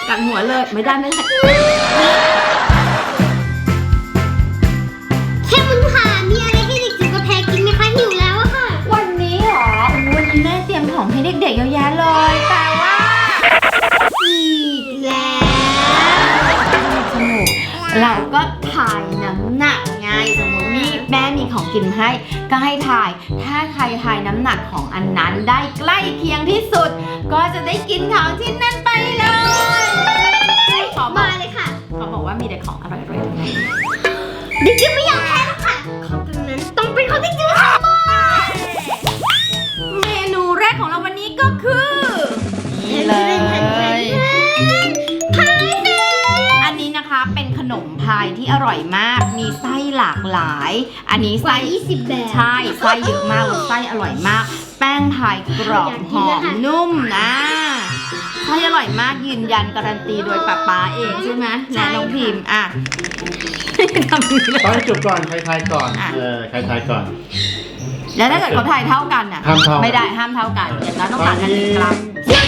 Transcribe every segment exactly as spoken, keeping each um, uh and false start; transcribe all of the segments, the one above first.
กัดหัวเลยไม่ได้ไม่ได้แค่มันผ่านมีอะไรให้เด็กจิ๋วกับแพรกินไหมคะหิวแล้วอะค่ะวันนี้เหรอวันนี้แม่เตรียมของให้เด็กๆเยอะแยะเลยแต่ว่าอีกแล้วสนุกเราก็ถ่ายน้ำหนักไงสมมติมีแม่มีของกินให้ก็ให้ถ่ายถ้าใครถ่ายน้ำหนักของอันนั้นได้ใกล้เคียงที่สุดก็จะได้กินของที่นั่นไปเลยขอมาเลยค่ะเขาบอกว่ามีแต่ของอร่อยๆทั้งนั้นเด็กจิ๋วไม่อยากแพ้หรอกค่ะของตรงนั้นต้องเป็นของเด็กจิ๋วค่ะเมนูแรกของเราวันนี้ก็คือนี่เลยพายเด็กอันนี้นะคะเป็นขนมพายที่อร่อยมากมีไส้หลากหลายอันนี้ไส้ยี่สิบแบบใช่ไส้เยอะมากแล้วไส้อร่อยมากแป้งพายกรอบหอมนุ่มนะไส้อร่อยมากยืนยันการันตีโดยป๊าป๊าเองใช่ไหมและน้องพิมพ์อ่ะทำนี้เลยต้องให้จบก่อนใครทายก่อนเออใครทายก่อนแล้วถ้าเกิดเขาทายเท่ากันอ่ะไม่ได้ห้ามเท่ากันอย่างนั้นต้องการกันหนึ่งกรัม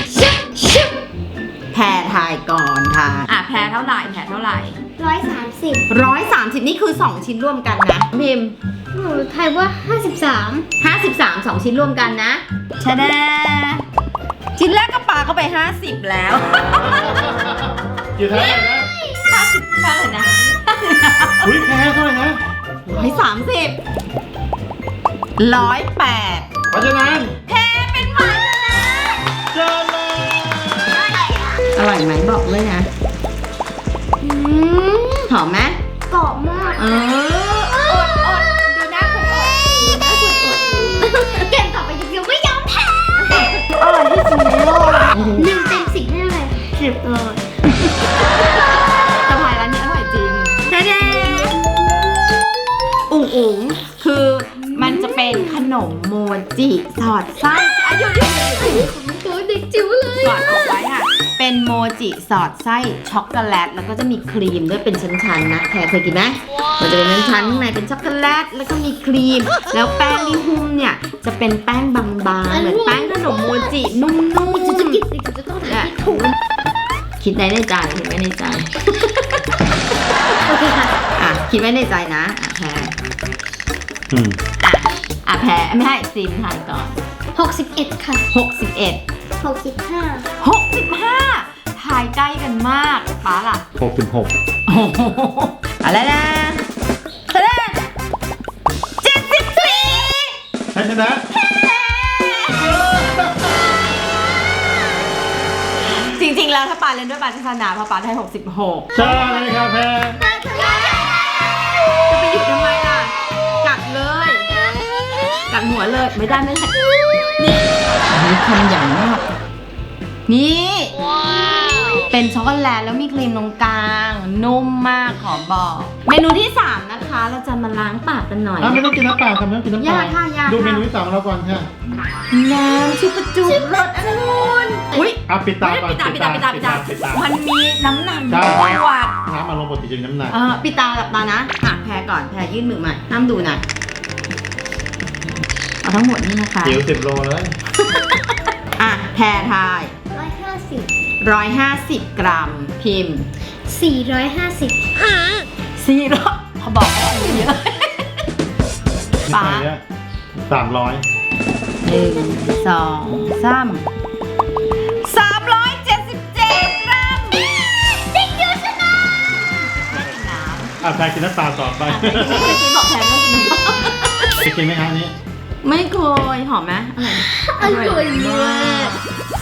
แพรทายก่อนค่ะอ่ะแพรเท่าไหร่แพรเท่าไหร่ร้อยสามสิบร้อยสามสิบนี่คือสองชิ้นร่วมกันนะพิมพ์หนูทายว่าห้าสิบสามห้าสิบสามสองชิ้นร่วมกันนะชะแดชิ้นแรกก็ปาเข้าไปห้าสิบแล้วกี่เท่าไหร่นะห้าสิบเท่าไหร่นะอุ้ยแพ้เท่าไหร่นะร้อยสามสิบร้อยแปดเพราะฉะนั้นแพ้เป็นฝ่ายชนะเจอเลยอร่อยไหมบอกเลยนะหอมไหมกรอบมากเอออดอดดูหน้าคนอดดูหน้าคนอดเกมต่อไปเดี๋ยวไม่ยอมแพ้อร่อยที่สุดในโลกหนึ่งเต็มสิบให้เลยสิบเลยจะพายร้านนี้อร่อยจริงเด้อุ๋งอุ๋งคือมันจะเป็นขนมโมจิสอดไส้อายุยืนตัวเด็กจิ๋วเลยก่อนออกไว้ค่ะเป็นโมจิสอดไส้ช็อกโกแลตแล้วก็จะมีครีมด้วยเป็นชั้นๆนะแพรเคยกินไหมมันจะเป็นชั้นๆข้างในเป็นช็อกโกแลตแล้วก็มีครีมแล้วแป้งที่หุ้มเนี่ยจะเป็นแป้งบางๆเหมือนแป้งขนมโมจินุ่มๆจะจะกินจะต้องถ่ายถูกคิดไว้ในใจคิดไว้ในใจโอเคค่ะอ่ะคิดไว้ในใจนะอ่ะแพรอืมอ่ะอ่ะแพรไม่ให้ซีมถ่ายก่อนหกสิบเอ็ดค่ะหกสิบเอ็ดหกสิบห้าหกสิบห้าถ่ายใกล้กันมากป้าล่ะหกสิบหกโอ้โหอะไรนะแสดงเจ็ดสิบสี่ใครชนะจริงๆแล้วถ้าปาเล่นด้วยปาจะชนะเพราะปาได้หกสิบหกใช่ครับแพรจะไปหยุดทำไมล่ะกัดเลยกัดหัวเลยไม่ได้ไม่ได้นี่นี่ทำอย่างมากนี่เป็นช็อกโกแลตแล้วมีครีมตรงกลางนุ่มมากขอบอกเมนูที่สามนะคะเราจะมาล้างปากกันหน่อยไม่ต้องกินน้ำเปล่าค่ะไม่ต้องกินน้ำเปล่าดูเมนูที่สองเราก่อนค่ะน้ำชิปจุบรสองุ่นอุ้ยอ่ะปิดตาก่อนปิดตาปิดตาปิดตาปิดตามันมีน้ำหนักขวดน้ำมาลงปกติจะมีน้ำหนักเออปิดตาหลับตานะอ่ะแพรก่อนแพรยื่นมือมาห้ามดูนะเอาทั้งหมดนี่นะคะเดี๋ยวสิบโลเลยอ่ะแพรทายร้อยห้าสิบร้อยห้าสิบกรัมพิมพ์สี่ร้อยห้าสิบสี่ร้อยเขาบอกว่าเยอะป้าสามร้อยหนึ่งสองสามสามร้อยเจ็ดสิบเจ็ดกรัมติ๊กยูชนะอ่ะแพรกินน้ำตาลต่อไปกินบอกแพรไม่กินน้ำไปกินไหมคะนี้ไม่เคยหอมไหมอร่อยมาก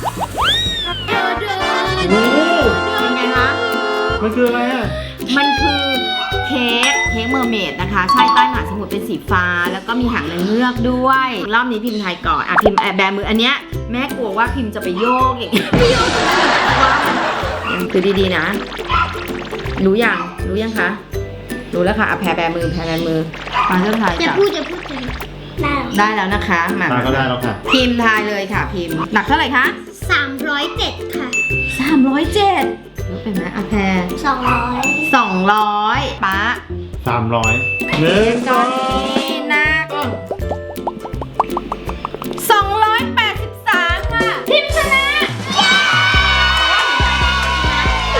โอ้โหเป็นไงคะมันคืออะไรอ่ะมันคือเค้กเค้กเมอร์เมดนะคะใช่ใต้มหาสมุทรเป็นสีฟ้าแล้วก็มีหางนางเงือกด้วยรอบนี้พิมพ์ไทยก่อนอ่ะพิมพ์แบมืออันเนี้ยแม่กลัวว่าพิมพ์จะไปโยกอย่างนี้โยกคือดีๆนะรู้ยังรู้ยังคะรู้แล้วค่ะอ่ะแพรแบมือแพรแบมือมาเริ่มทายอย่าพูดอย่าพูดได้ได้แล้วนะคะมาก็ได้แล้วค่ะพิมพ์ทายเลยค่ะพิมพ์หนักเท่าไหร่คะสามร้อยเจ็ดค่ะสามร้อยเจ็ดรู้เป็นไหมอ่ะแพรสองร้อยสองร้อยป๊าสามร้อยหนึ่งตอนนี้หนักสองร้อยแปดสิบสามค่ะพิมพ์ชนะ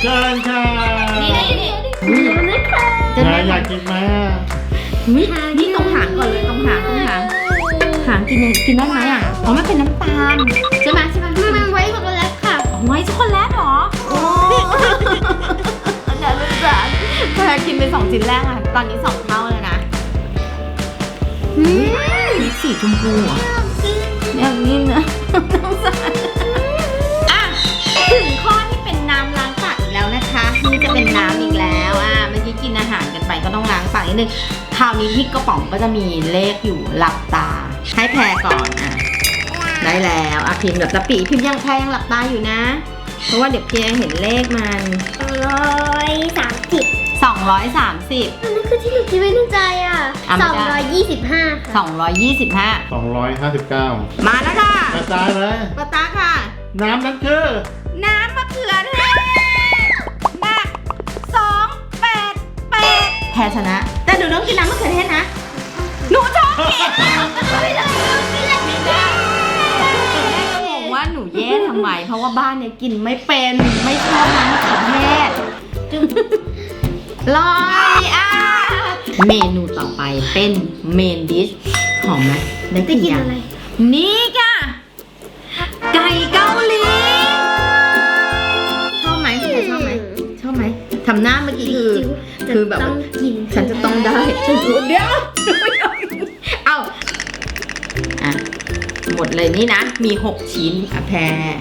ชิญค่ะนี่นี่นี่เดี๋ยวนะคะจะแม่ได้อยากกินไหมอุ๊ยนี่ตรงหางก่อนเลยตรงหางตรงหางหางกินยังกินได้ไหมอ่ะอ๋อมันเป็นน้ำตาลใช่ไหมใช่ไหมมันมันไว้ช็อกโกแลตค่ะไว้ช็อกโกแลตเหรอโอ้อันนั้นเป็นสารแพรกินไปสองชิ้นแรกอ่ะตอนนี้สองเท่าเลยนะอืมนี่สีชมพูอ่ะอย่างนี้นะน้องสารอ่ะถึงข้อที่เป็นน้ำล้างปากอีกแล้วนะคะนี่จะเป็นน้ำอีกแล้วอ่ะเมื่อกี้กินอาหารกันไปก็ต้องล้างปากนิดนึงคราวนี้ที่กระป๋องก็จะมีเลขอยู่หลับตาให้แพรก่อนอ่ะได้แล้วอ่ะพิมพ์แบบตะปีพิมพ์ยังแพรยังหลับตาอยู่นะเพราะว่าเดี๋ยวเพียเห็นเลขมันร้อยสามสิบสองร้อยสามสิบอันนั้นคือที่หนูคิดไว้ในใจอ่ะอ่ะไม่สองได้ร้อยยี่สิบห้าค่ะสองร้อยยี่สิบห้าสองร้อยห้าสิบเก้ามาแล้วค่ะกระจายเลยปะตาค่ะน้ำนั้นคือน้ำมะเขือเทศหนักสองแปดแปดแพ้ชนะ แต่หนูต้องกินน้ำมะเขือเทศนะ หนูชอบกินไม่ได้ไม่ได้ไม่ได้แม่ก็งงว่าหนูแย่ทำไม เพราะว่าบ้านเนี่ยกินไม่เป็นไม่ชอบน้ำมะเขือเทศลอยอ่ะเมนูต่อไปเป็นเมนดิชหอมไหมได้จะกี่กินอย่างอะไรนี่ค่ะ ไก่เกาหลี ชอบไหมพี่ชอบไหมชอบไหมทำหน้าเมื่อกี้คือ คือแบบต้องกินฉันจะต้องได้ฉันรู้เดี๋ยวเอาอ่ะหมดเลยนี่นะ มีหกชิ้นอ่ะแพร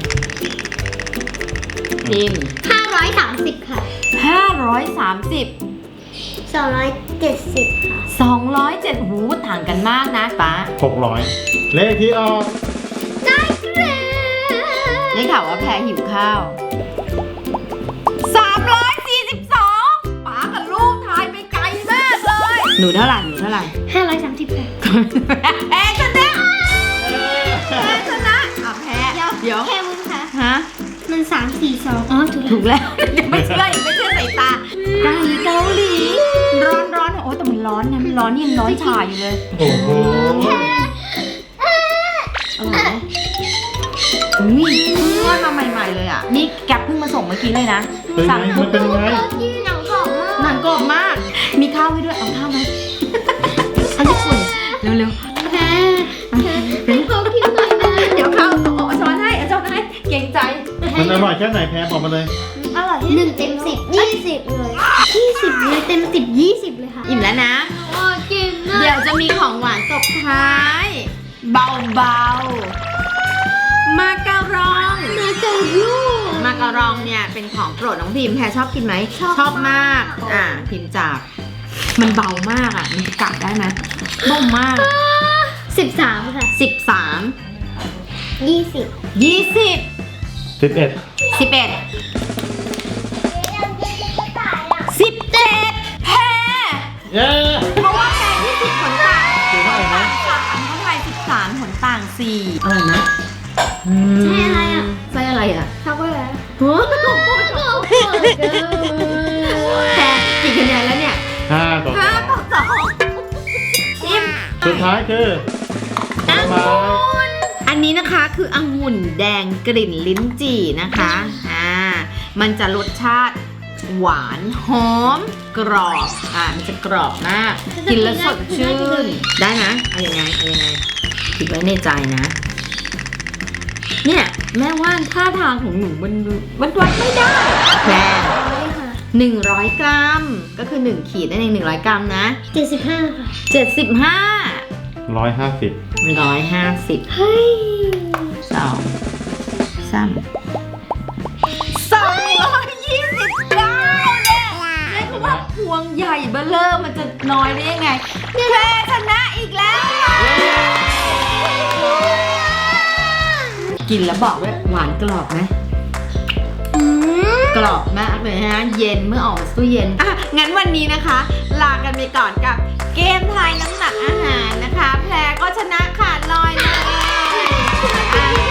พิมห้าร้อยสามสิบค่ะห้าร้อยสามสิบสองร้อยเจ็ดสิบค่ะสองร้อยเจ็ดหูต่างกันมากนะป้าหกร้อยเลขที่ออกได้แล้วได้ข่าวว่าแพรหิวข้าวสามร้อยสี่สิบสองป้ากับลูกทายไปไกลมากเลยหนูเท่าไหร่หนูเท่าไหร่ห้าร้อยสามสิบค่ะแพ้ชนะแพ้ชนะอ่ะแพ้เดี๋ยวเดี๋ยวแค่มึงค่ะฮะมันสามสี่สองอ๋อถูกถูกแล้วยังไม่เชื่อยังไม่เชื่อสายตาไก่เกาหลีร้อนร้อนโอ้แต่มันร้อนนะมันร้อนยังร้อนฉ่าอยู่เลยโอ้โหอร่อยไหมอุ้ยเพิ่งทอดมาใหม่ๆเลยอ่ะนี่แกปเพิ่งมาส่งเมื่อกี้เลยนะเป็นไงมันเป็นยังไงกินหนังกรอบมากหนังกรอบมาก มีข้าวให้ด้วยเอาข้าวไหมเอาญี่ปุ่นเร็วแพ้ให้เขากินหน่อยนะๆเดี๋ยวข้าวเอาช้อนให้เอาช้อนให้เกรงใจมันอร่อยแค่ไหนแพ้บอกมาเลยอร่อยหนึ่งเต็มสิบยี่สิบเลยยี่สิบเลยเต็มสิบยี่สิบเลยค่ะอิ่มแล้วนะโอ้กินนะเดี๋ยวจะมีของหวานตบท้าย เบาๆ มาการองมาเจอลูกมาการองเนี่ยเป็นของโปรดน้องพิมแพรชอบกินไหมชอบมาก อ่าพิมจาก มันเบามากอ่ะ มันกัดได้ไหมเบามากสิบสามค่ะสิบสามยี่สิบยี่สิบสิบเอ็ดสิบเอ็ดสิบเจ็ดแพรเย้เพราะว่าแพรยี่สิบผลต่างคือเท่าไหร่นะสามเท่าไหร่สิบสามผลต่างสี่อร่อยไหมใช่อะไรอ่ะไส้อะไรอ่ะช็อกโกแลตโอ้โอ้โหโอ้โหแพรกี่คะแนนแล้วเนี่ยห้าต่อสห้าองต่อสองชิมสุดท้ายคือผลไม้อันนี้นะคะคือองุ่นแดงกลิ่นลิ้นจี่นะคะอ่ามันจะรสชาติหวานหอมกรอบอ่ามันจะกรอบมากกินแล้วสดชื่นได้นะเอายังไงเอายังไงคิดไว้ในใจนะ เนี่ยแม่ว่าท่าทางของหนูมันมันวัดไม่ได้แพรหนึ่งร้อยกรัมก็คือหนึ่งขีดนั่นเองหนึ่งร้อยกรัมนะเจ็ดสิบห้าค่ะเจ็ดสิบห้าร้อยห้าสิบร้อยห้าสิบเฮ้ยสองสามสองร้อยยี่สิบเก้าเนี่ยเรียกว่าพวงใหญ่เบ้อเริ่มมันจะน้อยได้ยังไงแพรชนะอีกแล้วค่ะกินแล้วบอกว่าหวานกรอบไหมอืมกรอบมากเลยนะเย็นเมื่อออกจากตู้เย็นอ่ะงั้นวันนี้นะคะ ลากันไปก่อนกับเกมทายน้ำหนักอาหารนะคะ แพรก็ชนะขาดลอยเลยอ่ะ